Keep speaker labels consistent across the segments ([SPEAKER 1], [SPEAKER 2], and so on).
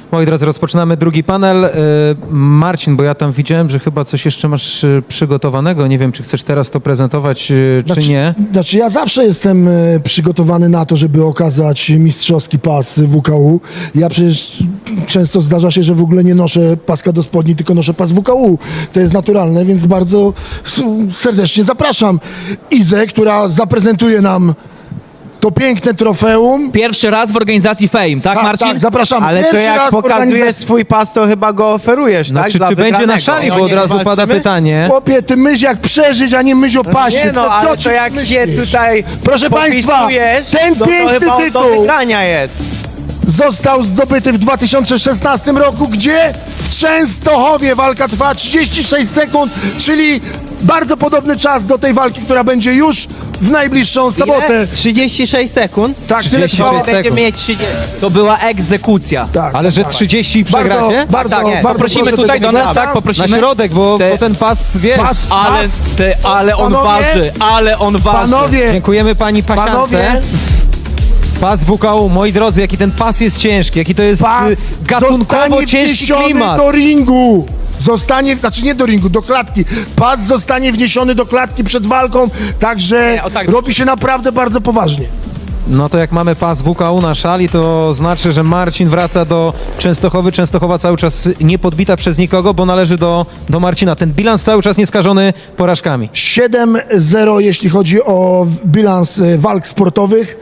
[SPEAKER 1] Moi drodzy, rozpoczynamy drugi panel. Marcin, bo ja tam widziałem, że chyba coś jeszcze masz przygotowanego. Nie wiem, czy chcesz teraz to prezentować, czy nie.
[SPEAKER 2] Znaczy ja zawsze jestem przygotowany na to, żeby okazać mistrzowski pas WKU. Ja przecież często zdarza się, że w ogóle nie noszę paska do spodni, tylko noszę pas WKU. To jest naturalne, więc bardzo serdecznie zapraszam Izę, która zaprezentuje nam to piękne trofeum.
[SPEAKER 3] Pierwszy raz w organizacji Fame, tak, Marcin?
[SPEAKER 2] Tak, zapraszamy.
[SPEAKER 4] Ale to
[SPEAKER 2] Pierwszy
[SPEAKER 4] jak
[SPEAKER 2] raz w
[SPEAKER 4] pokazujesz
[SPEAKER 2] organizacji.
[SPEAKER 4] swój pas, to chyba go oferujesz,
[SPEAKER 1] No,
[SPEAKER 4] tak?
[SPEAKER 1] czy
[SPEAKER 4] Dla
[SPEAKER 1] będzie na
[SPEAKER 4] wygranego.
[SPEAKER 1] szali, bo
[SPEAKER 3] No
[SPEAKER 1] od
[SPEAKER 3] nie,
[SPEAKER 1] razu pada
[SPEAKER 3] walczymy?
[SPEAKER 1] pytanie.
[SPEAKER 2] Chłopie, ty myśl jak przeżyć, a nie myśl o pasie.
[SPEAKER 4] Nie no,
[SPEAKER 2] Co
[SPEAKER 4] ale
[SPEAKER 2] ci
[SPEAKER 4] to jak się
[SPEAKER 2] myślisz?
[SPEAKER 4] tutaj
[SPEAKER 2] Proszę państwa,
[SPEAKER 4] popisujesz,
[SPEAKER 2] ten
[SPEAKER 4] to
[SPEAKER 2] piękny
[SPEAKER 4] chyba on do
[SPEAKER 2] tytuł
[SPEAKER 4] wygrania jest.
[SPEAKER 2] został zdobyty w 2016 roku, gdzie w Częstochowie walka trwa 36 sekund, czyli bardzo podobny czas do tej walki, która będzie już w najbliższą sobotę.
[SPEAKER 4] Ile? 36 sekund?
[SPEAKER 2] Tak, tyle
[SPEAKER 1] 36
[SPEAKER 2] trwało.
[SPEAKER 1] sekund.
[SPEAKER 4] Będziemy mieć 30.
[SPEAKER 3] To była egzekucja.
[SPEAKER 2] Tak,
[SPEAKER 1] Ale że 30 i przegracie?
[SPEAKER 2] bardzo,
[SPEAKER 3] Tak,
[SPEAKER 2] bardzo
[SPEAKER 3] poprosimy
[SPEAKER 2] proszę
[SPEAKER 3] tutaj
[SPEAKER 2] tego
[SPEAKER 3] do nas,
[SPEAKER 2] wygrana.
[SPEAKER 3] tak?
[SPEAKER 1] Na
[SPEAKER 3] Poprosimy.
[SPEAKER 1] środek, bo ten pas, wiesz.
[SPEAKER 2] Pas,
[SPEAKER 3] Ale,
[SPEAKER 2] pas.
[SPEAKER 3] ale on
[SPEAKER 2] Panowie,
[SPEAKER 3] waży, ale on waży.
[SPEAKER 2] Panowie,
[SPEAKER 1] Dziękujemy pani pasiance.
[SPEAKER 2] panowie,
[SPEAKER 1] Pas WKU, moi drodzy, jaki ten pas jest ciężki, jaki to jest
[SPEAKER 2] pas
[SPEAKER 1] gatunkowo
[SPEAKER 2] zostanie
[SPEAKER 1] ciężki
[SPEAKER 2] wniesiony
[SPEAKER 1] klimat.
[SPEAKER 2] do ringu. Zostanie, znaczy nie do ringu, do klatki. Pas zostanie wniesiony do klatki przed walką, także
[SPEAKER 3] Nie, o tak.
[SPEAKER 2] robi się naprawdę bardzo poważnie.
[SPEAKER 1] No to jak mamy pas WKU na szali, to znaczy, że Marcin wraca do Częstochowy. Częstochowa cały czas nie podbita przez nikogo, bo należy do Marcina. Ten bilans cały czas nieskażony porażkami.
[SPEAKER 2] 7-0, jeśli chodzi o bilans walk sportowych.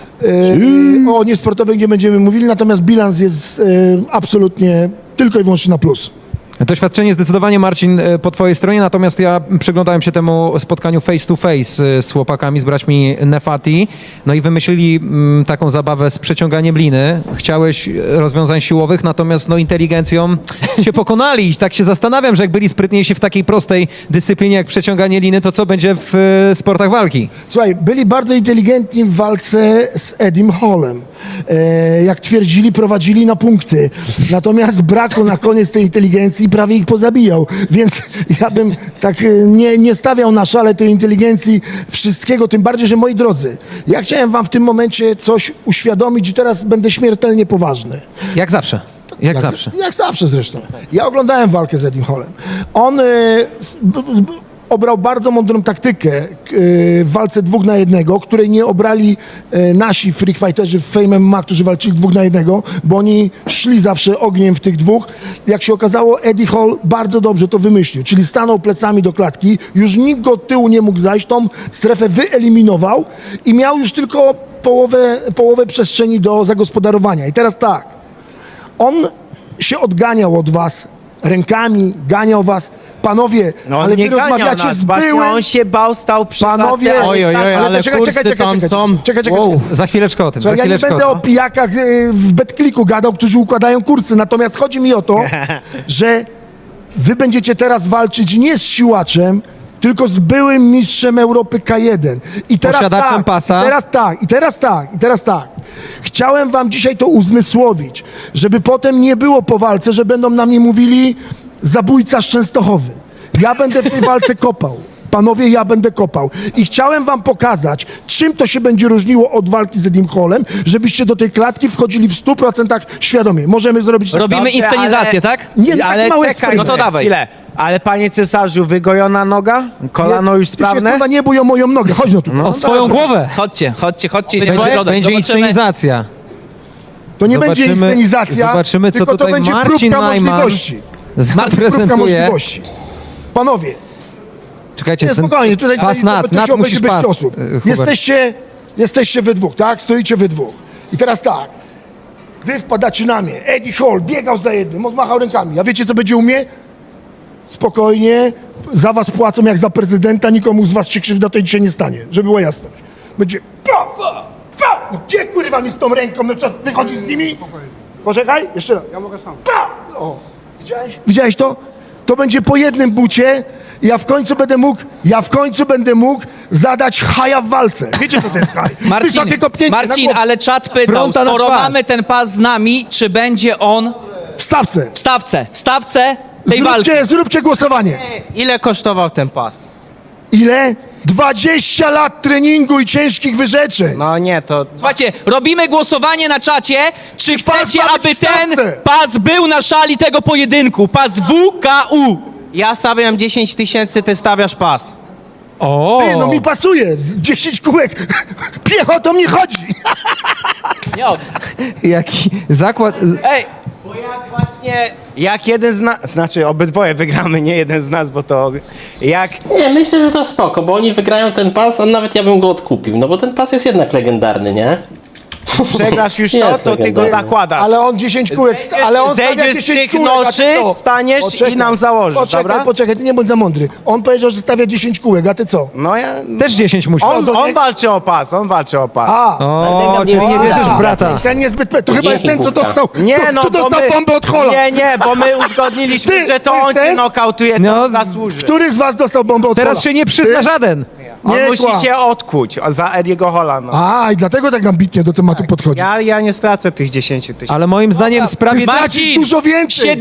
[SPEAKER 2] O niesportowych nie będziemy mówili, natomiast bilans jest absolutnie tylko i wyłącznie na plus.
[SPEAKER 1] Doświadczenie zdecydowanie, Marcin, po twojej stronie, natomiast ja przyglądałem się temu spotkaniu face to face z chłopakami, z braćmi Nefati, no i wymyślili taką zabawę z przeciąganiem liny. Chciałeś rozwiązań siłowych, natomiast no inteligencją się pokonali i tak się zastanawiam, że jak byli sprytniejsi w takiej prostej dyscyplinie jak przeciąganie liny, to co będzie w sportach walki?
[SPEAKER 2] Słuchaj, byli bardzo inteligentni w walce z Edim Hallem. Jak twierdzili, prowadzili na punkty. Natomiast brakło na koniec tej inteligencji i prawie ich pozabijał. Więc ja bym tak nie stawiał na szale tej inteligencji wszystkiego, tym bardziej, że moi drodzy, ja chciałem wam w tym momencie coś uświadomić i teraz będę śmiertelnie poważny.
[SPEAKER 1] Jak zawsze. Jak zawsze.
[SPEAKER 2] Jak zawsze zresztą. Ja oglądałem walkę z Edim Hallem. On obrał bardzo mądrą taktykę w walce 2 na 1, której nie obrali nasi freak fighterzy w Fame MMA, którzy walczyli 2 na 1, bo oni szli zawsze ogniem w tych dwóch. Jak się okazało, Eddie Hall bardzo dobrze to wymyślił, czyli stanął plecami do klatki, już nikt go od tyłu nie mógł zajść, tą strefę wyeliminował i miał już tylko połowę przestrzeni do zagospodarowania. I teraz tak, on się odganiał od was rękami, ganiał was. Panowie,
[SPEAKER 4] No on
[SPEAKER 2] ale
[SPEAKER 4] nie
[SPEAKER 2] wy
[SPEAKER 4] ganiał
[SPEAKER 2] rozmawiacie
[SPEAKER 4] nas,
[SPEAKER 2] z
[SPEAKER 4] właśnie
[SPEAKER 2] byłym...
[SPEAKER 4] on się bał, stał przy
[SPEAKER 2] Panowie,
[SPEAKER 4] klatce,
[SPEAKER 1] Oj, oj, oj, ale
[SPEAKER 2] czekaj,
[SPEAKER 1] kursy tam są.
[SPEAKER 2] czekaj.
[SPEAKER 1] Wow, za chwileczkę o tym, za
[SPEAKER 2] Ja nie
[SPEAKER 1] chwileczkę
[SPEAKER 2] będę
[SPEAKER 1] o
[SPEAKER 2] o
[SPEAKER 1] tym.
[SPEAKER 2] pijakach w Betkliku gadał, którzy układają kursy, natomiast chodzi mi o to, że wy będziecie teraz walczyć nie z siłaczem, tylko z byłym mistrzem Europy K1. I teraz
[SPEAKER 1] Posiadaczem
[SPEAKER 2] tak,
[SPEAKER 1] pasa.
[SPEAKER 2] I teraz tak. Chciałem wam dzisiaj to uzmysłowić, żeby potem nie było po walce, że będą na mnie mówili zabójca z Częstochowy. Ja będę w tej walce kopał. Panowie, ja będę kopał. I chciałem wam pokazać, czym to się będzie różniło od walki z Edim Hallem, żebyście do tej klatki wchodzili w 100% świadomie. Możemy zrobić tak.
[SPEAKER 3] Robimy
[SPEAKER 4] Dobrze,
[SPEAKER 3] inscenizację,
[SPEAKER 4] ale-
[SPEAKER 3] tak?
[SPEAKER 2] Nie, no,
[SPEAKER 4] ale
[SPEAKER 2] tak mały
[SPEAKER 4] czekaj,
[SPEAKER 2] eksperyment.
[SPEAKER 3] No to dawaj.
[SPEAKER 4] Ile? Ale panie cesarzu, wygojona noga? Kolano już
[SPEAKER 2] Ty się
[SPEAKER 4] sprawne?
[SPEAKER 2] kurwa nie bój o moją nogę. Chodź no tu.
[SPEAKER 1] O swoją głowę.
[SPEAKER 3] Chodźcie.
[SPEAKER 1] Będzie inscenizacja.
[SPEAKER 2] To nie
[SPEAKER 1] Zobaczymy-
[SPEAKER 2] będzie inscenizacja,
[SPEAKER 1] zobaczymy, co
[SPEAKER 2] tylko to
[SPEAKER 1] tutaj
[SPEAKER 2] będzie
[SPEAKER 1] Marcin
[SPEAKER 2] próbka
[SPEAKER 1] Najman
[SPEAKER 2] możliwości. Próbka
[SPEAKER 1] zaprezentuje.
[SPEAKER 2] możliwości. Panowie,
[SPEAKER 1] Czekajcie,
[SPEAKER 2] nie,
[SPEAKER 1] ten
[SPEAKER 2] spokojnie, tutaj
[SPEAKER 1] pas
[SPEAKER 2] to
[SPEAKER 1] nad
[SPEAKER 2] się obejdzie
[SPEAKER 1] musisz
[SPEAKER 2] bez
[SPEAKER 1] pas.
[SPEAKER 2] ciosów.
[SPEAKER 1] Hubert.
[SPEAKER 2] Jesteście we dwóch, tak? Stoicie we dwóch. I teraz tak, wy wpadacie na mnie. Eddie Hall biegał za jednym, odmachał rękami. A wiecie, co będzie u mnie? Spokojnie, za was płacą jak za prezydenta, nikomu z was się krzywda tej dzisiaj nie stanie, żeby była jasność. Będzie no gdzie kurwa mi z tą ręką, no co, wychodzi z nimi? Poczekaj, jeszcze raz. Ja mogę sam. O, widziałeś to? To będzie po jednym bucie. Ja w końcu będę mógł zadać haja w walce. Wiecie, co to jest haj? Wysokie kopnięcie na
[SPEAKER 3] Marcin,
[SPEAKER 2] głowę.
[SPEAKER 3] ale czat pytał,
[SPEAKER 1] Fronta na
[SPEAKER 3] skoro
[SPEAKER 1] twarz.
[SPEAKER 3] mamy ten pas z nami, czy będzie on
[SPEAKER 2] W stawce.
[SPEAKER 3] w stawce tej walki?
[SPEAKER 2] Zróbcie głosowanie.
[SPEAKER 4] Ile kosztował ten pas?
[SPEAKER 2] Ile? 20 lat treningu i ciężkich wyrzeczeń.
[SPEAKER 4] No nie, to...
[SPEAKER 3] Słuchajcie, robimy głosowanie na czacie, czy chcecie,
[SPEAKER 2] ma być
[SPEAKER 3] aby
[SPEAKER 2] w
[SPEAKER 3] ten
[SPEAKER 2] stawce.
[SPEAKER 3] pas był na szali tego pojedynku. Pas WKU.
[SPEAKER 4] Ja stawiam 10 000, ty stawiasz pas.
[SPEAKER 1] O!
[SPEAKER 2] Ty, no mi pasuje, z 10 kółek. Piechotą nie chodzi.
[SPEAKER 3] Nie od...
[SPEAKER 1] Jaki zakład...
[SPEAKER 3] Ej,
[SPEAKER 4] Bo jak właśnie... Jak jeden z nas... Znaczy, obydwoje wygramy, nie jeden z nas, bo to... Jak...
[SPEAKER 5] Nie, myślę, że to spoko, bo oni wygrają ten pas, a nawet ja bym go odkupił, no bo ten pas jest jednak legendarny, nie?
[SPEAKER 4] Przegrasz już
[SPEAKER 5] Jest
[SPEAKER 4] to ty go
[SPEAKER 5] legendarny.
[SPEAKER 4] zakładasz.
[SPEAKER 2] Ale on 10 kółek, ale on stawia
[SPEAKER 4] Zejdziesz z
[SPEAKER 2] 10
[SPEAKER 4] tych
[SPEAKER 2] kółek, a
[SPEAKER 4] noszy,
[SPEAKER 2] ty co?
[SPEAKER 4] wstaniesz i nam założysz, dobra?
[SPEAKER 2] Poczekaj, ty nie bądź za mądry. On powiedział, że stawia 10 kółek, a ty co?
[SPEAKER 4] No ja...
[SPEAKER 1] Też 10 musi.
[SPEAKER 4] On,
[SPEAKER 2] to
[SPEAKER 4] on
[SPEAKER 2] nie-
[SPEAKER 4] walczy o pas, on walczy o pas.
[SPEAKER 2] A,
[SPEAKER 1] O, czyli nie wierzysz w brata.
[SPEAKER 2] ten niezbyt... To chyba jest ten, co
[SPEAKER 5] główka.
[SPEAKER 2] dostał,
[SPEAKER 4] Nie, no
[SPEAKER 2] co
[SPEAKER 4] bo
[SPEAKER 2] dostał
[SPEAKER 4] my,
[SPEAKER 2] bombę od Hola.
[SPEAKER 4] Nie, bo my uzgodniliśmy,
[SPEAKER 2] Ty,
[SPEAKER 4] że to
[SPEAKER 2] to jest
[SPEAKER 4] on cię
[SPEAKER 2] ten?
[SPEAKER 4] nokautuje, to
[SPEAKER 1] No,
[SPEAKER 4] on zasłuży.
[SPEAKER 2] Który z was dostał bombę od Hola?
[SPEAKER 1] Teraz się nie przyzna
[SPEAKER 2] Ty?
[SPEAKER 1] żaden.
[SPEAKER 4] On
[SPEAKER 2] Nie
[SPEAKER 4] musi
[SPEAKER 2] kłam.
[SPEAKER 4] się odkuć za Ediego Hola. No.
[SPEAKER 2] A, i dlatego tak ambitnie do tematu podchodzi.
[SPEAKER 4] Ja nie stracę tych 10 000.
[SPEAKER 1] Ale moim zdaniem sprawiedliwie...
[SPEAKER 2] Stracisz dużo więcej.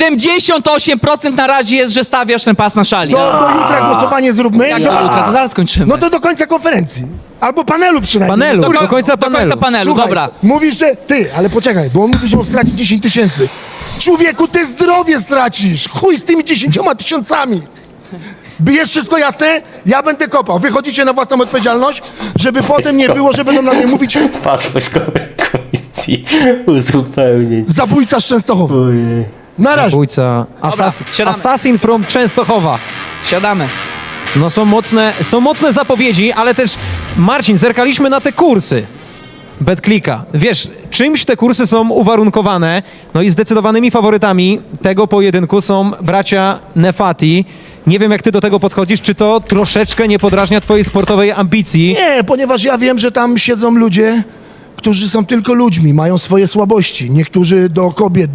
[SPEAKER 3] 78% na razie jest, że stawiasz ten pas na szali.
[SPEAKER 2] Do jutra głosowanie zróbmy.
[SPEAKER 3] Jak
[SPEAKER 2] i
[SPEAKER 3] do
[SPEAKER 2] zobacz-
[SPEAKER 3] jutra, to zaraz kończymy.
[SPEAKER 2] No to do końca konferencji. Albo panelu przynajmniej.
[SPEAKER 1] Panelu,
[SPEAKER 2] Kurwa,
[SPEAKER 1] do końca
[SPEAKER 3] Do końca
[SPEAKER 1] panelu.
[SPEAKER 3] panelu,
[SPEAKER 2] Słuchaj,
[SPEAKER 3] dobra.
[SPEAKER 2] mówisz, że ty, ale poczekaj, bo on mówi, że on straci 10 000. Człowieku, ty zdrowie stracisz. Chuj z tymi 10 000. Jest wszystko jasne? Ja będę kopał. Wychodzicie na własną odpowiedzialność, żeby potem nie było, że będą na mnie mówić
[SPEAKER 5] Pas wojskowej komisji uzupełnień.
[SPEAKER 2] zabójca z Częstochowy.
[SPEAKER 5] Ojej.
[SPEAKER 2] Na razie.
[SPEAKER 1] Bójca.
[SPEAKER 3] siadamy.
[SPEAKER 1] Assassin from Częstochowa.
[SPEAKER 3] Siadamy.
[SPEAKER 1] No są mocne zapowiedzi, ale też Marcin, zerkaliśmy na te kursy BetClicka. Wiesz, czymś te kursy są uwarunkowane, no i zdecydowanymi faworytami tego pojedynku są bracia Nefati. Nie wiem, jak ty do tego podchodzisz, czy to troszeczkę nie podrażnia twojej sportowej ambicji?
[SPEAKER 2] Nie, ponieważ ja wiem, że tam siedzą ludzie, którzy są tylko ludźmi, mają swoje słabości. Niektórzy do kobiet,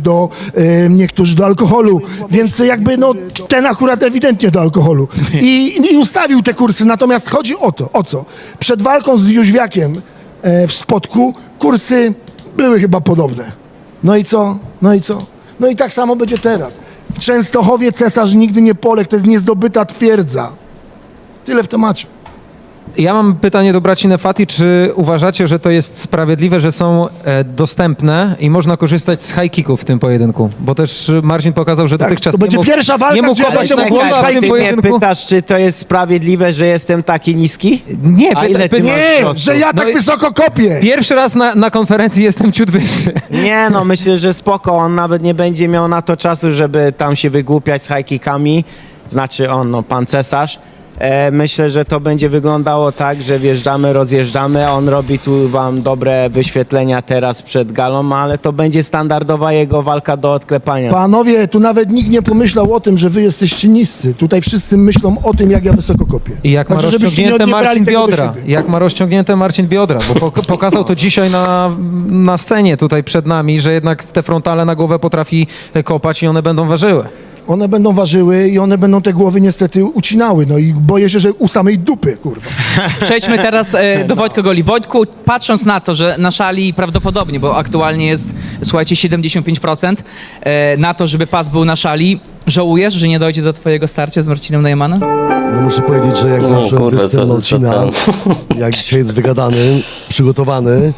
[SPEAKER 2] niektórzy do alkoholu, więc jakby no ten akurat ewidentnie do alkoholu. I ustawił te kursy, natomiast chodzi o to, o co? Przed walką z Jóźwiakiem w Spodku kursy były chyba podobne. No i co? No i co? No i tak samo będzie teraz. W Częstochowie cesarz nigdy nie poległ, to jest niezdobyta twierdza. Tyle w temacie.
[SPEAKER 1] Ja mam pytanie do braci Nefati, czy uważacie, że to jest sprawiedliwe, że są dostępne i można korzystać z high kicków w tym pojedynku? Bo też Marcin pokazał, że dotychczas
[SPEAKER 2] to będzie
[SPEAKER 1] nie mógł,
[SPEAKER 2] pierwsza walka,
[SPEAKER 1] nie mógł
[SPEAKER 2] gdzie
[SPEAKER 1] kopać
[SPEAKER 2] będzie
[SPEAKER 1] temu
[SPEAKER 2] mógł
[SPEAKER 1] głowa w
[SPEAKER 4] Czekaj,
[SPEAKER 1] tym
[SPEAKER 4] ty mnie
[SPEAKER 1] pojedynku.
[SPEAKER 4] pytasz, czy to jest sprawiedliwe, że jestem taki niski?
[SPEAKER 1] Nie,
[SPEAKER 4] A ile ty masz
[SPEAKER 2] Nie,
[SPEAKER 4] wzrostu?
[SPEAKER 2] że ja tak
[SPEAKER 1] No i-
[SPEAKER 2] wysoko kopię.
[SPEAKER 1] Pierwszy raz na konferencji jestem ciut wyższy.
[SPEAKER 4] Nie, no myślę, że spoko, on nawet nie będzie miał na to czasu, żeby tam się wygłupiać z high kickami, znaczy on, no pan cesarz. Myślę, że to będzie wyglądało tak, że wjeżdżamy, rozjeżdżamy, on robi tu wam dobre wyświetlenia teraz przed galą, ale to będzie standardowa jego walka do odklepania.
[SPEAKER 2] Panowie, tu nawet nikt nie pomyślał o tym, że wy jesteście niscy. Tutaj wszyscy myślą o tym, jak ja wysoko kopię.
[SPEAKER 1] I jak ma
[SPEAKER 2] Także żebyście nie
[SPEAKER 1] rozciągnięte
[SPEAKER 2] odbierali
[SPEAKER 1] Marcin
[SPEAKER 2] tego do
[SPEAKER 1] biodra.
[SPEAKER 2] siebie.
[SPEAKER 1] Jak ma rozciągnięte Marcin biodra, bo pokazał to dzisiaj na scenie tutaj przed nami, że jednak te frontale na głowę potrafi kopać i one będą ważyły.
[SPEAKER 2] One będą ważyły i one będą te głowy niestety ucinały. No i boję się, że u samej dupy, kurwa.
[SPEAKER 3] Przejdźmy teraz do Wojtka Goli. Wojtku, patrząc na to, że na szali prawdopodobnie, bo aktualnie jest, słuchajcie, 75% na to, żeby pas był na szali, żałujesz, że nie dojdzie do twojego starcia z Marcinem Najmanem?
[SPEAKER 6] No muszę powiedzieć, że jak
[SPEAKER 5] No,
[SPEAKER 6] zacząłem
[SPEAKER 5] kurde,
[SPEAKER 6] występ
[SPEAKER 5] co
[SPEAKER 6] Marcina, jak dzisiaj jest wygadany, przygotowany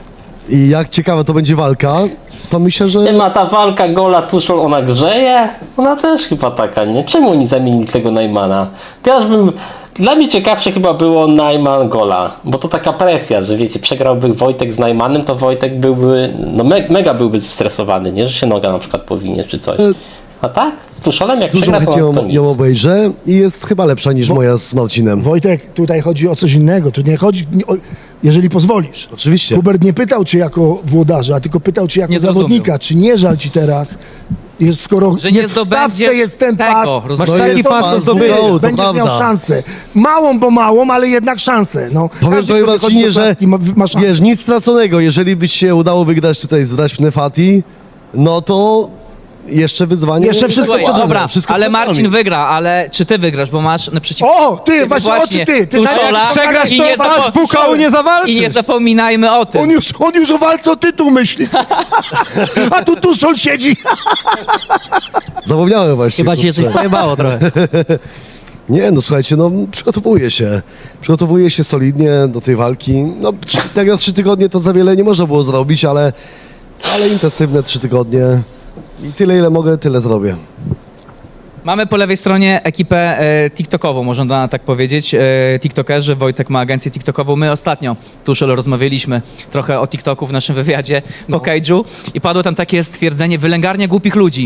[SPEAKER 6] i jak ciekawa to będzie walka, to myślę, że
[SPEAKER 5] Nie ma ta walka Gola Tuszol, ona grzeje? Ona też chyba taka, nie? Czemu oni zamienili tego Najmana? Dla mnie ciekawsze chyba było Najman Gola, bo to taka presja, że wiecie, przegrałby Wojtek z Najmanem, to Wojtek byłby, no mega byłby zestresowany, nie? Że się noga na przykład powinie czy coś. A tak? Z Tuszolem jak
[SPEAKER 6] dużo
[SPEAKER 5] przegra,
[SPEAKER 6] chętnie
[SPEAKER 5] to nic.
[SPEAKER 6] ją obejrzę i jest chyba lepsza niż moja z Marcinem.
[SPEAKER 2] Wojtek, tutaj chodzi o coś innego. Tu nie chodzi, jeżeli pozwolisz.
[SPEAKER 6] Oczywiście.
[SPEAKER 2] Hubert nie pytał cię jako włodarza, tylko pytał cię jako
[SPEAKER 3] Nie zrozumiał.
[SPEAKER 2] zawodnika. Czy nie żal ci teraz, skoro
[SPEAKER 3] Że nie
[SPEAKER 2] jest w stawce,
[SPEAKER 3] zdobędziesz
[SPEAKER 2] jest ten
[SPEAKER 3] tego,
[SPEAKER 2] pas,
[SPEAKER 3] rozumiesz?
[SPEAKER 1] Masz
[SPEAKER 6] To
[SPEAKER 1] taki
[SPEAKER 6] jest
[SPEAKER 1] pas do
[SPEAKER 6] pas
[SPEAKER 1] zdobycia.
[SPEAKER 6] to
[SPEAKER 2] będziesz miał
[SPEAKER 6] prawda.
[SPEAKER 2] szansę. Małą, ale jednak szansę. No,
[SPEAKER 6] Powiem
[SPEAKER 2] każdy,
[SPEAKER 6] tobie
[SPEAKER 2] kto wychodzi
[SPEAKER 6] Marcinie,
[SPEAKER 2] do
[SPEAKER 6] że
[SPEAKER 2] klatki, ma szansę.
[SPEAKER 6] wiesz, nic straconego, jeżeli by ci się udało wygrać tutaj z braćmi Nefati, no to jeszcze wyzwanie.
[SPEAKER 2] Jeszcze wszystko
[SPEAKER 3] Słuchaj,
[SPEAKER 2] przed nami,
[SPEAKER 3] dobra,
[SPEAKER 6] wszystko
[SPEAKER 3] ale
[SPEAKER 6] przed nami.
[SPEAKER 3] Marcin wygra, ale czy ty wygrasz, bo masz naprzeciw...
[SPEAKER 2] O, ty, właśnie, oczy ty.
[SPEAKER 3] Tuszola,
[SPEAKER 2] nawet
[SPEAKER 1] przegrasz,
[SPEAKER 3] i
[SPEAKER 1] to
[SPEAKER 3] nie
[SPEAKER 1] was w WKU nie zawalczysz.
[SPEAKER 3] I nie zapominajmy o tym.
[SPEAKER 2] On już o walce o tytuł myśli. A tu Tuszol siedzi.
[SPEAKER 6] Zapomniałem właśnie.
[SPEAKER 7] Chyba ci się coś
[SPEAKER 6] kurczę.
[SPEAKER 7] pojebało trochę.
[SPEAKER 6] Nie, no słuchajcie, no przygotowuję się solidnie do tej walki. No tak na 3 tygodnie to za wiele nie można było zrobić, ale intensywne 3 tygodnie i tyle ile mogę, tyle zrobię.
[SPEAKER 3] Mamy po lewej stronie ekipę TikTokową, można tak powiedzieć. TikTokerzy, Wojtek ma agencję TikTokową. My ostatnio, Tuszel, rozmawialiśmy trochę o TikToku w naszym wywiadzie po Cage'u i padło tam takie stwierdzenie, wylęgarnia głupich ludzi.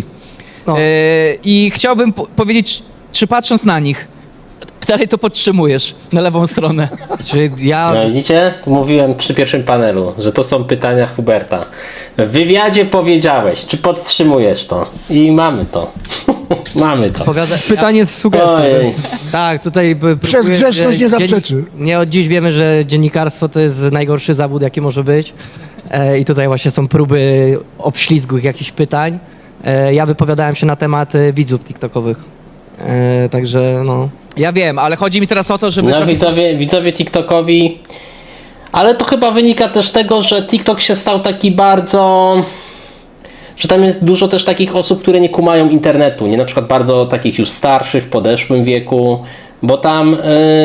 [SPEAKER 3] I chciałbym powiedzieć, czy patrząc na nich, dalej to podtrzymujesz na lewą stronę.
[SPEAKER 7] Czy ja...
[SPEAKER 5] No widzicie? To mówiłem przy pierwszym panelu, że to są pytania Huberta. W wywiadzie powiedziałeś, czy podtrzymujesz to? I mamy to. Mamy to.
[SPEAKER 1] Pytanie z sugestią.
[SPEAKER 5] Ojej.
[SPEAKER 7] Tak, tutaj...
[SPEAKER 2] Przez grzeczność nie zaprzeczy.
[SPEAKER 7] Nie od dziś wiemy, że dziennikarstwo to jest najgorszy zawód, jaki może być. I tutaj właśnie są próby obślizgu jakichś pytań. Ja wypowiadałem się na temat widzów TikTokowych. Także no...
[SPEAKER 3] Ja wiem, ale chodzi mi teraz o to, żeby...
[SPEAKER 5] No widzowie TikTokowi, ale to chyba wynika też z tego, że TikTok się stał taki bardzo, że tam jest dużo też takich osób, które nie kumają internetu, nie, na przykład bardzo takich już starszych, w podeszłym wieku, bo tam,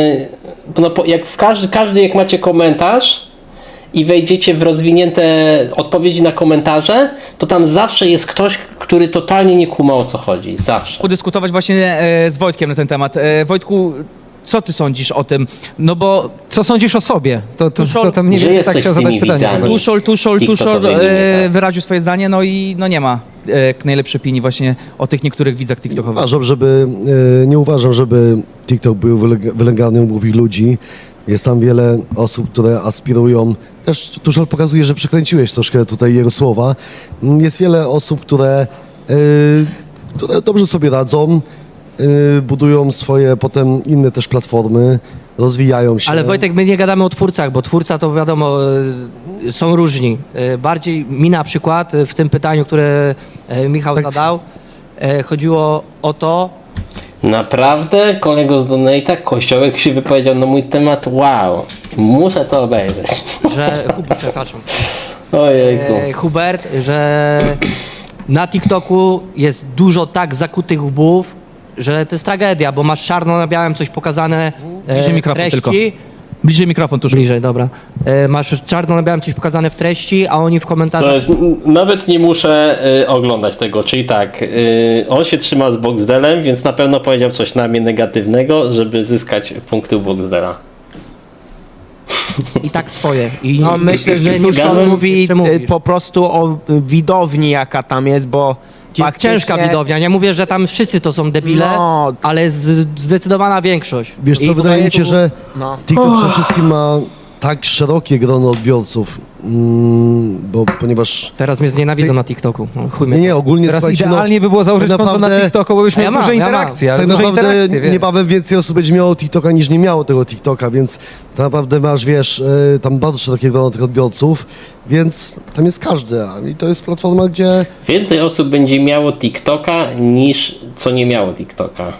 [SPEAKER 5] jak w każdy jak macie komentarz i wejdziecie w rozwinięte odpowiedzi na komentarze, to tam zawsze jest ktoś, który totalnie nie kuma, o co chodzi, zawsze.
[SPEAKER 3] Podyskutować właśnie z Wojtkiem na ten temat. Wojtku, co ty sądzisz o tym? No bo
[SPEAKER 1] Co sądzisz o sobie? To mniej
[SPEAKER 5] Że
[SPEAKER 1] więcej tak
[SPEAKER 5] jesteś
[SPEAKER 1] chciał
[SPEAKER 5] z
[SPEAKER 1] zadać
[SPEAKER 5] tymi
[SPEAKER 1] pytanie.
[SPEAKER 5] widzami.
[SPEAKER 1] Robert.
[SPEAKER 3] Tuszol
[SPEAKER 5] TikTokowymi, tak.
[SPEAKER 3] wyraził swoje zdanie, no i no nie ma najlepszej opinii właśnie o tych niektórych widzach TikTokowych.
[SPEAKER 6] Nie uważam, żeby TikTok był wylęgarnią głupich ludzi. Jest tam wiele osób, które aspirują. Też Tuszel pokazuje, że przekręciłeś troszkę tutaj jego słowa. Jest wiele osób, które dobrze sobie radzą, budują swoje potem inne też platformy, rozwijają się.
[SPEAKER 7] Ale Wojtek, my nie gadamy o twórcach, bo twórca to wiadomo, są różni. Bardziej mi na przykład w tym pytaniu, które Michał
[SPEAKER 6] Tak.
[SPEAKER 7] zadał, chodziło o to,
[SPEAKER 5] Naprawdę, kolego z Donate'a, Kościołek się wypowiedział na mój temat, wow, muszę to obejrzeć.
[SPEAKER 7] że przepraszam,
[SPEAKER 5] Ojejku.
[SPEAKER 7] Hubert, że na TikToku jest dużo tak zakutych łbów, że to jest tragedia, bo masz czarno na białym coś pokazane
[SPEAKER 3] Bliżej mikrofon
[SPEAKER 7] treści.
[SPEAKER 3] tylko. Bliżej mikrofon, Tuszol.
[SPEAKER 7] Bliżej, dobra. Masz czarno na białym coś pokazane w treści, a oni w komentarzach...
[SPEAKER 5] To jest, nawet nie muszę oglądać tego, czyli tak, on się trzyma z Boxdelem, więc na pewno powiedział coś na mnie negatywnego, żeby zyskać punkty u Boxdela.
[SPEAKER 7] I tak swoje. I
[SPEAKER 4] No myślę, że
[SPEAKER 7] nie
[SPEAKER 4] Tuszol mówi
[SPEAKER 7] przemówisz.
[SPEAKER 4] po prostu o widowni, jaka tam jest, bo
[SPEAKER 7] Jest ciężka widownia. Nie mówię, że tam wszyscy to są debile,
[SPEAKER 4] No.
[SPEAKER 7] ale zdecydowana większość.
[SPEAKER 6] Wiesz co,
[SPEAKER 4] I
[SPEAKER 6] wydaje mi
[SPEAKER 4] to
[SPEAKER 6] się,
[SPEAKER 4] jest-
[SPEAKER 6] że
[SPEAKER 4] no.
[SPEAKER 6] TikTok przede wszystkim ma tak szerokie grono odbiorców, bo ponieważ...
[SPEAKER 7] Teraz mnie znienawidzą na TikToku. No, chuj mnie.
[SPEAKER 6] Nie, ogólnie
[SPEAKER 1] Teraz
[SPEAKER 6] słuchajcie,
[SPEAKER 1] idealnie by było założyć
[SPEAKER 6] tak
[SPEAKER 1] konto na
[SPEAKER 6] naprawdę-
[SPEAKER 1] TikToku, bo byśmy
[SPEAKER 7] Ja
[SPEAKER 1] mieli
[SPEAKER 7] mam,
[SPEAKER 1] duże
[SPEAKER 7] ja mam.
[SPEAKER 1] interakcje. ale
[SPEAKER 6] Tak
[SPEAKER 1] duże
[SPEAKER 6] naprawdę
[SPEAKER 1] interakcje, wiesz.
[SPEAKER 6] niebawem więcej osób będzie miało TikToka niż nie miało tego TikToka, więc tak naprawdę masz, wiesz, tam bardzo szerokie grono tych odbiorców, więc tam jest każdy, i to jest platforma, gdzie
[SPEAKER 5] Więcej osób będzie miało TikToka niż co nie miało TikToka.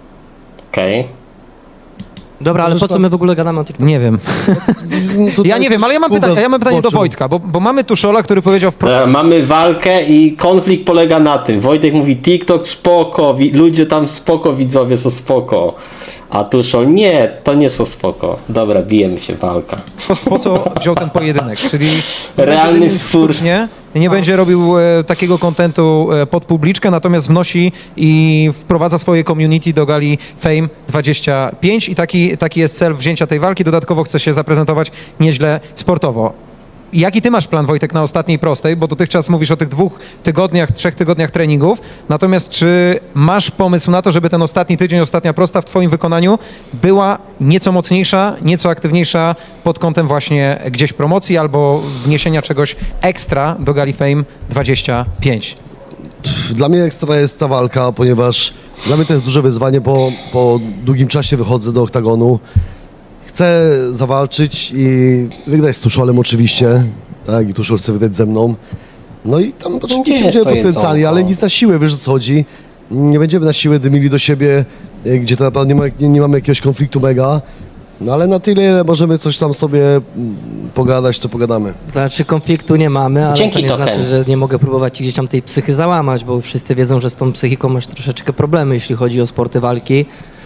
[SPEAKER 5] Okej.
[SPEAKER 7] Dobra, ale po co my w ogóle gadamy o TikToku?
[SPEAKER 1] Nie wiem.
[SPEAKER 6] tutaj
[SPEAKER 1] Ja nie wiem, ale ja mam
[SPEAKER 6] Google
[SPEAKER 1] pytanie do
[SPEAKER 6] wskoczył.
[SPEAKER 1] Wojtka, bo mamy Tuszola, który powiedział wprost,
[SPEAKER 5] Mamy walkę i konflikt polega na tym. Wojtek mówi TikTok spoko, ludzie tam spoko, widzowie są spoko. A Tuszol nie, to nie są spoko. Dobra, bijemy się, walka.
[SPEAKER 1] po co wziął ten pojedynek, czyli
[SPEAKER 5] Realny
[SPEAKER 1] będzie dymił
[SPEAKER 5] spór.
[SPEAKER 1] sztucznie, nie będzie robił takiego kontentu pod publiczkę, natomiast wnosi i wprowadza swoje community do gali Fame 25 i taki jest cel wzięcia tej walki. Dodatkowo chce się zaprezentować nieźle sportowo. Jaki ty masz plan, Wojtek, na ostatniej prostej? Bo dotychczas mówisz o tych 2 tygodniach, 3 tygodniach treningów. Natomiast czy masz pomysł na to, żeby ten ostatni tydzień, ostatnia prosta w twoim wykonaniu była nieco mocniejsza, nieco aktywniejsza pod kątem właśnie gdzieś promocji albo wniesienia czegoś ekstra do gali Fame 25?
[SPEAKER 6] Dla mnie ekstra jest ta walka, ponieważ dla mnie to jest duże wyzwanie, bo po długim czasie wychodzę do oktagonu. Chcę zawalczyć i wygrać z Tuszolem oczywiście, tak, i Tuszol chce wygrać ze mną. No i tam
[SPEAKER 5] gdzie
[SPEAKER 6] oczywiście
[SPEAKER 5] jest
[SPEAKER 6] będziemy
[SPEAKER 5] to
[SPEAKER 6] potencjali,
[SPEAKER 5] jedzonko?
[SPEAKER 6] ale nic na siłę, wiesz o co chodzi. Nie będziemy na siłę dymili do siebie, gdzie to naprawdę nie mamy jakiegoś konfliktu mega. No ale na tyle, ile możemy coś tam sobie pogadać, to pogadamy.
[SPEAKER 7] Znaczy konfliktu nie mamy, ale
[SPEAKER 5] Dzięki,
[SPEAKER 7] to nie
[SPEAKER 5] Token.
[SPEAKER 7] znaczy, że nie mogę próbować ci gdzieś tam tej psychy załamać, bo wszyscy wiedzą, że z tą psychiką masz troszeczkę problemy, jeśli chodzi o sporty walki.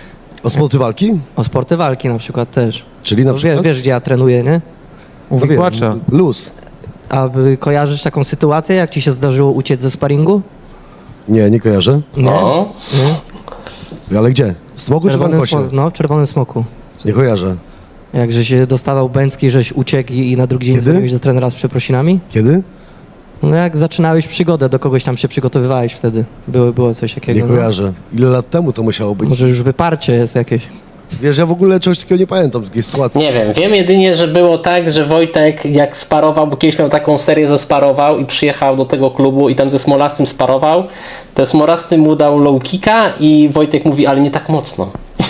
[SPEAKER 6] O sporty walki?
[SPEAKER 7] O sporty walki na przykład też.
[SPEAKER 6] Czyli na
[SPEAKER 7] No,
[SPEAKER 6] przykład?
[SPEAKER 7] wiesz, gdzie ja trenuję, nie?
[SPEAKER 1] U
[SPEAKER 6] No wiem,
[SPEAKER 1] wikłacza.
[SPEAKER 6] luz.
[SPEAKER 7] A kojarzysz taką sytuację, jak ci się zdarzyło uciec ze sparingu?
[SPEAKER 6] Nie kojarzę.
[SPEAKER 7] Nie?
[SPEAKER 5] No.
[SPEAKER 7] Nie?
[SPEAKER 6] Ale gdzie? W Smogu czy w Ankosie?
[SPEAKER 7] No, w Czerwonym Smoku.
[SPEAKER 6] Nie kojarzę.
[SPEAKER 7] Jak się dostawał bęcki, żeś uciekł i na drugi dzień
[SPEAKER 6] Kiedy?
[SPEAKER 7] dzwoniłeś do trenera z przeprosinami?
[SPEAKER 6] Kiedy?
[SPEAKER 7] No jak zaczynałeś przygodę, do kogoś tam się przygotowywałeś wtedy. Było coś takiego.
[SPEAKER 6] Nie kojarzę. Ile lat temu to musiało być?
[SPEAKER 7] Może już wyparcie jest jakieś.
[SPEAKER 6] Wiesz, ja w ogóle czegoś takiego nie pamiętam, takiej sytuacji.
[SPEAKER 5] Nie wiem jedynie, że było tak, że Wojtek jak sparował, bo kiedyś miał taką serię, że sparował i przyjechał do tego klubu i tam ze Smolastym sparował, to Smolasty mu dał low kicka i Wojtek mówi, ale nie tak mocno.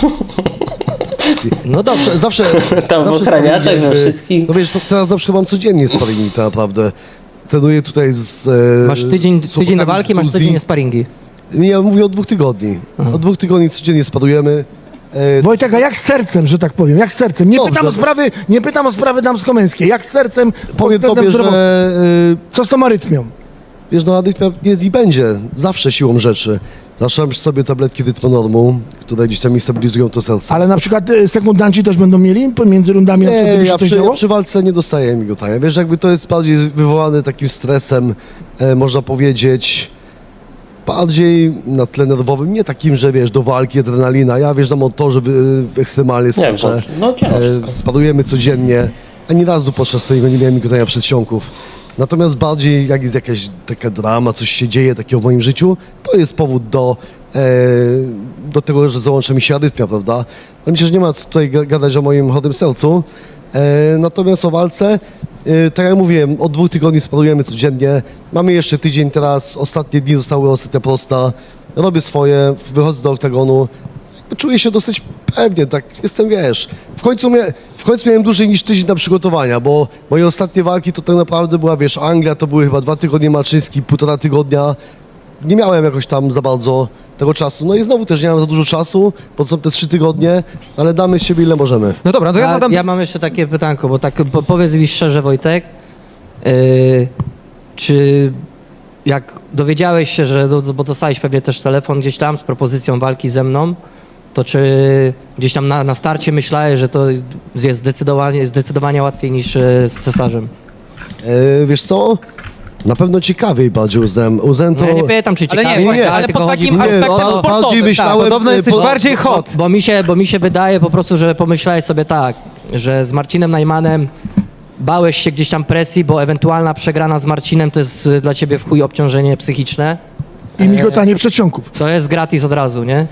[SPEAKER 7] No dobrze.
[SPEAKER 6] Zawsze
[SPEAKER 5] Tam w
[SPEAKER 6] zawsze
[SPEAKER 5] ochraniaczach,
[SPEAKER 6] sparingi,
[SPEAKER 5] we wszystkich.
[SPEAKER 6] No wiesz, teraz zawsze mam codziennie sparingi, tak naprawdę. Trenuję tutaj z...
[SPEAKER 7] Masz tydzień do
[SPEAKER 6] chłopakami
[SPEAKER 7] walki,
[SPEAKER 6] z
[SPEAKER 7] masz
[SPEAKER 6] Gruzji.
[SPEAKER 7] tydzień sparingi.
[SPEAKER 6] Nie, ja mówię od 2 tygodni. Od 2 tygodni codziennie sparujemy.
[SPEAKER 2] Wojtek, a jak z sercem, że tak powiem? Jak z sercem? Nie
[SPEAKER 6] Dobrze.
[SPEAKER 2] pytam o sprawy damsko-męskie. Jak z sercem?
[SPEAKER 6] Powiem
[SPEAKER 2] pod
[SPEAKER 6] tobie,
[SPEAKER 2] względem
[SPEAKER 6] że
[SPEAKER 2] zdrowotnym? Co z tą arytmią?
[SPEAKER 6] wiesz, no arytmia jest i będzie. Zawsze siłą rzeczy. Zaczynam sobie tabletki rytmonormu, które gdzieś tam mi stabilizują to serce.
[SPEAKER 2] Ale na przykład sekundanci też będą mieli między rundami, na przykład,
[SPEAKER 6] Nie,
[SPEAKER 2] gdyby się
[SPEAKER 6] ja
[SPEAKER 2] to
[SPEAKER 6] przy,
[SPEAKER 2] działo?
[SPEAKER 6] przy walce nie dostaję migotania. Wiesz, jakby to jest bardziej wywołane takim stresem, można powiedzieć, bardziej na tle nerwowym, nie takim, że wiesz, do walki adrenalina. Ja wjeżdżam na motorze ekstremalnie
[SPEAKER 5] Nie,
[SPEAKER 6] skoczę.
[SPEAKER 5] no działa wszystko.
[SPEAKER 6] Spadujemy codziennie. Ani razu podczas tego nie miałem migotania przedsionków. Natomiast bardziej jak jest jakaś taka drama, coś się dzieje takiego w moim życiu, to jest powód do tego, że załącza mi się arytmia, prawda? No myślę, że nie ma co tutaj gadać o moim chorym sercu. Natomiast o walce, tak jak mówiłem, od 2 tygodni sparujemy codziennie. Mamy jeszcze tydzień teraz, ostatnie dni zostały ostatnia prosta. Robię swoje, wychodzę do oktagonu. Czuję się dosyć pewnie, tak jestem, wiesz. W końcu miałem dłużej niż tydzień na przygotowania, bo moje ostatnie walki to tak naprawdę była, wiesz, Anglia, to były chyba 2 tygodnie Malczyński, 1,5 tygodnia. Nie miałem jakoś tam za bardzo tego czasu. No i znowu też nie mam za dużo czasu, bo są te 3 tygodnie, ale damy z siebie ile możemy.
[SPEAKER 1] No dobra, to ja zadam...
[SPEAKER 7] Ja mam jeszcze takie pytanko, bo tak powiedz mi szczerze, Wojtek, czy jak dowiedziałeś się, że, bo dostałeś pewnie też telefon gdzieś tam z propozycją walki ze mną, to czy gdzieś tam na starcie myślałeś, że to jest zdecydowanie łatwiej niż z cesarzem?
[SPEAKER 6] Wiesz co? Na pewno ciekawiej bardziej uznałem. Uznałem to...
[SPEAKER 7] No ja nie pytam, czy
[SPEAKER 3] Ale nie,
[SPEAKER 7] ciekawie,
[SPEAKER 3] właśnie,
[SPEAKER 7] tak,
[SPEAKER 3] ale
[SPEAKER 7] tylko
[SPEAKER 3] pod
[SPEAKER 7] chodzi
[SPEAKER 3] takim
[SPEAKER 7] mi o
[SPEAKER 3] aspektem
[SPEAKER 7] to,
[SPEAKER 3] sportowym,
[SPEAKER 6] bardziej
[SPEAKER 3] tak.
[SPEAKER 6] myślałem...
[SPEAKER 1] Podobno jesteś
[SPEAKER 6] po-
[SPEAKER 1] bardziej hot.
[SPEAKER 7] bo mi się wydaje po prostu, że pomyślałeś sobie tak, że z Marcinem Najmanem bałeś się gdzieś tam presji, bo ewentualna przegrana z Marcinem to jest dla ciebie w chuj obciążenie psychiczne.
[SPEAKER 2] I migotanie przedsionków.
[SPEAKER 7] To jest gratis od razu, nie?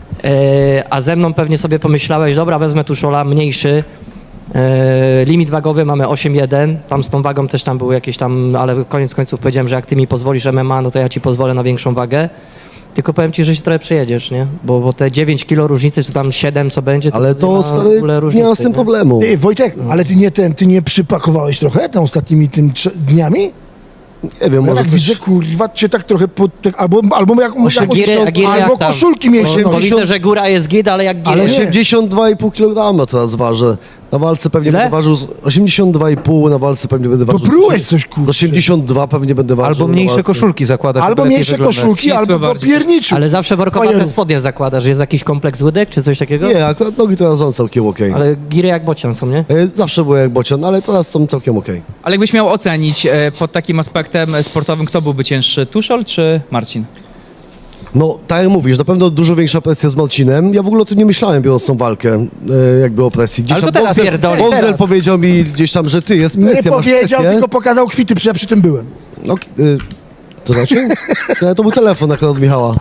[SPEAKER 7] A ze mną pewnie sobie pomyślałeś, dobra, wezmę Tuszola mniejszy. Limit wagowy mamy 8,1. Tam z tą wagą też tam były jakieś tam, ale koniec końców powiedziałem, że jak ty mi pozwolisz MMA, no to ja ci pozwolę na większą wagę. Tylko powiem ci, że się trochę przejedziesz, nie? Bo te 9 kilo różnicy, czy tam 7, co będzie,
[SPEAKER 6] Ale
[SPEAKER 7] nie
[SPEAKER 6] to,
[SPEAKER 7] ma w
[SPEAKER 6] stary,
[SPEAKER 7] ogóle
[SPEAKER 6] nie
[SPEAKER 7] różnicy,
[SPEAKER 6] mam z tym problemu.
[SPEAKER 2] Ty, Wojtek, ale ty nie przypakowałeś trochę tym ostatnimi dniami?
[SPEAKER 6] Nie wiem,
[SPEAKER 2] Ja
[SPEAKER 6] może
[SPEAKER 2] tak
[SPEAKER 6] coś...
[SPEAKER 2] widzę, kurwa, cię tak trochę albo jak
[SPEAKER 7] Giry
[SPEAKER 2] albo
[SPEAKER 7] jak tam?
[SPEAKER 2] koszulki mieliście
[SPEAKER 7] Bo
[SPEAKER 2] nosić.
[SPEAKER 7] widzę, że góra jest git, ale jak
[SPEAKER 2] Ale
[SPEAKER 7] giry.
[SPEAKER 2] nie.
[SPEAKER 6] 82,5 kg teraz ważę. Na walce pewnie
[SPEAKER 7] Ile?
[SPEAKER 6] będę ważył 82,5, na walce pewnie będę
[SPEAKER 2] To
[SPEAKER 6] ważył...
[SPEAKER 2] prułeś coś,
[SPEAKER 6] Z
[SPEAKER 2] kurwa.
[SPEAKER 6] 82 pewnie będę ważył.
[SPEAKER 1] Albo
[SPEAKER 6] na
[SPEAKER 1] mniejsze
[SPEAKER 6] walce.
[SPEAKER 1] koszulki zakładasz.
[SPEAKER 2] Albo
[SPEAKER 1] żeby lepiej
[SPEAKER 2] mniejsze
[SPEAKER 1] wyglądać.
[SPEAKER 2] koszulki,
[SPEAKER 3] Ścisłe
[SPEAKER 2] albo
[SPEAKER 3] bardziej.
[SPEAKER 2] popierniczy.
[SPEAKER 7] Ale zawsze workowate
[SPEAKER 2] Fajerów.
[SPEAKER 7] spodnie zakładasz. Jest jakiś kompleks łydek, czy coś takiego?
[SPEAKER 6] Nie, akurat nogi teraz są całkiem okej.
[SPEAKER 7] Ale giry jak bocian są, nie?
[SPEAKER 6] Zawsze były jak bocian, ale teraz są całkiem okej.
[SPEAKER 3] Ale jakbyś miał ocenić pod takim aspektem sportowym, kto byłby cięższy, Tuszol czy Marcin?
[SPEAKER 6] No, tak jak mówisz, na pewno dużo większa presja z Marcinem. Ja w ogóle o tym nie myślałem, biorąc tą walkę, jakby o presji. Gdzieś
[SPEAKER 3] Ale to
[SPEAKER 6] tam
[SPEAKER 3] teraz pierdoli,
[SPEAKER 6] Boxer
[SPEAKER 3] teraz.
[SPEAKER 6] powiedział mi gdzieś tam, że ty, jest
[SPEAKER 2] Nie
[SPEAKER 6] presja, masz
[SPEAKER 2] powiedział,
[SPEAKER 6] presję.
[SPEAKER 2] tylko pokazał kwity, ja przy tym byłem.
[SPEAKER 6] No, to znaczy? To był telefon akurat od Michała.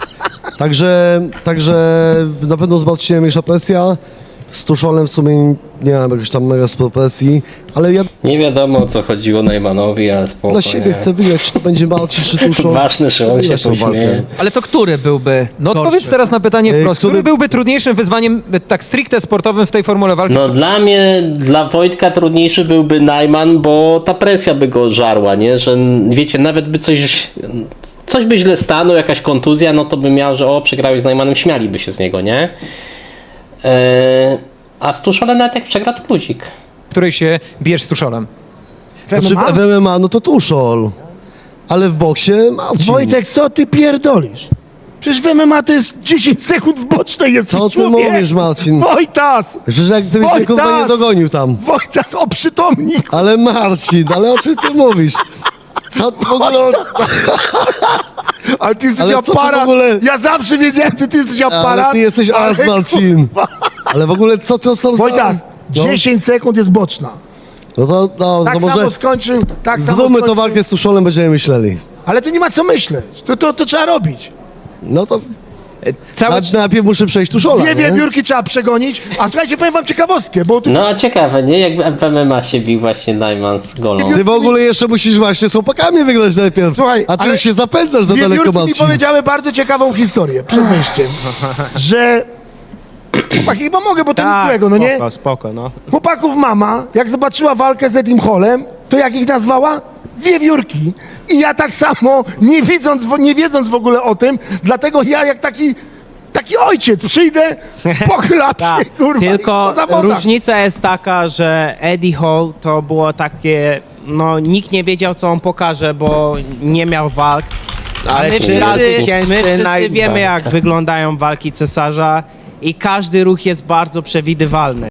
[SPEAKER 6] Także na pewno z Marcinem większa presja. Z Tuszolem w sumie nie mam jakiejś tam mega sporo presji, ale ja
[SPEAKER 5] Nie wiadomo o co chodziło Najmanowi, ale spoko.
[SPEAKER 6] dla siebie
[SPEAKER 5] nie?
[SPEAKER 6] chcę wygrać, czy to będzie Marcin, czy Tuszol.
[SPEAKER 5] Ważne, że on się
[SPEAKER 6] Wygrać tą
[SPEAKER 5] pośmieje.
[SPEAKER 3] Ale to który byłby
[SPEAKER 1] No
[SPEAKER 3] gorszy?
[SPEAKER 1] odpowiedz teraz na pytanie wprost. Który
[SPEAKER 6] który-
[SPEAKER 1] byłby trudniejszym wyzwaniem tak stricte sportowym w tej formule walki?
[SPEAKER 5] No dla mnie, dla Wojtka trudniejszy byłby Najman, bo ta presja by go żarła, nie? Że wiecie, nawet by coś by źle stanął, jakaś kontuzja, no to by miał, że przegrałeś z Najmanem, śmialiby się z niego, nie? A z Tuszolem nawet jak przegra, to luzik.
[SPEAKER 1] W której się bierz z Tuszolem?
[SPEAKER 6] Znaczy w MMA, no to Tuszol. Ale w boksie Marcin.
[SPEAKER 2] Wojtek, co ty pierdolisz? Przecież w MMA to jest 10 sekund w bocznej jest.
[SPEAKER 6] Co ty
[SPEAKER 2] człowiek.
[SPEAKER 6] mówisz, Marcin?
[SPEAKER 2] Wojtas!
[SPEAKER 6] Przecież jak gdybyś mnie kurwa nie dogonił tam.
[SPEAKER 2] Wojtas, oprzytomnik!
[SPEAKER 6] Ale Marcin, ale o czym ty mówisz? Co ty w ogóle...
[SPEAKER 2] Ale ty jesteś
[SPEAKER 6] Ale co ty w
[SPEAKER 2] aparat!
[SPEAKER 6] ogóle-
[SPEAKER 2] Ja zawsze wiedziałem, że ty jesteś aparat!
[SPEAKER 6] Ale ty jesteś as,
[SPEAKER 2] ale
[SPEAKER 6] Marcin. Ale w ogóle co to są za...
[SPEAKER 2] Wojtas,
[SPEAKER 6] No.
[SPEAKER 2] 10 sekund jest boczna.
[SPEAKER 6] No to
[SPEAKER 2] Tak
[SPEAKER 6] może
[SPEAKER 2] samo skończył, tak samo
[SPEAKER 6] zróbmy
[SPEAKER 2] skończył.
[SPEAKER 6] to walkę z Tuszolem, będziemy myśleli.
[SPEAKER 2] Ale to nie ma co myśleć. To trzeba robić.
[SPEAKER 6] No to
[SPEAKER 3] Cały
[SPEAKER 6] najpierw muszę przejść Tuszola,
[SPEAKER 2] Dwie
[SPEAKER 6] nie?
[SPEAKER 2] wiewiórki trzeba przegonić. A słuchajcie, powiem wam ciekawostkę, bo tu
[SPEAKER 5] No a ciekawe, nie? Jak w MMA się bił właśnie Najman z Golą.
[SPEAKER 6] Ty w ogóle jeszcze musisz właśnie z chłopakami wygrać najpierw.
[SPEAKER 2] Słuchaj,
[SPEAKER 6] a ty
[SPEAKER 2] ale
[SPEAKER 6] już się zapędzasz za daleko,
[SPEAKER 2] wiewiórki mi
[SPEAKER 6] Marcin.
[SPEAKER 2] powiedziały bardzo ciekawą historię przed wyjściem, że... Chłopaki, chyba mogę, bo to nic złego, no nie?
[SPEAKER 4] Spoko, no.
[SPEAKER 2] Chłopaków mama, jak zobaczyła walkę z Edim Hallem, to jak ich nazwała? Wiewiórki. I ja tak samo, nie wiedząc w ogóle o tym, dlatego ja jak taki ojciec przyjdę, pochylam się,
[SPEAKER 4] Tak,
[SPEAKER 2] kurwa, i
[SPEAKER 4] tylko
[SPEAKER 2] po zawodach.
[SPEAKER 4] różnica jest taka, że Eddie Hall to było takie, no nikt nie wiedział co on pokaże, bo nie miał walk. Ale
[SPEAKER 5] my
[SPEAKER 4] 3 razy
[SPEAKER 5] wszyscy-
[SPEAKER 4] cięższy,
[SPEAKER 5] my wszyscy
[SPEAKER 4] wiemy jak wyglądają walki cesarza i każdy ruch jest bardzo przewidywalny.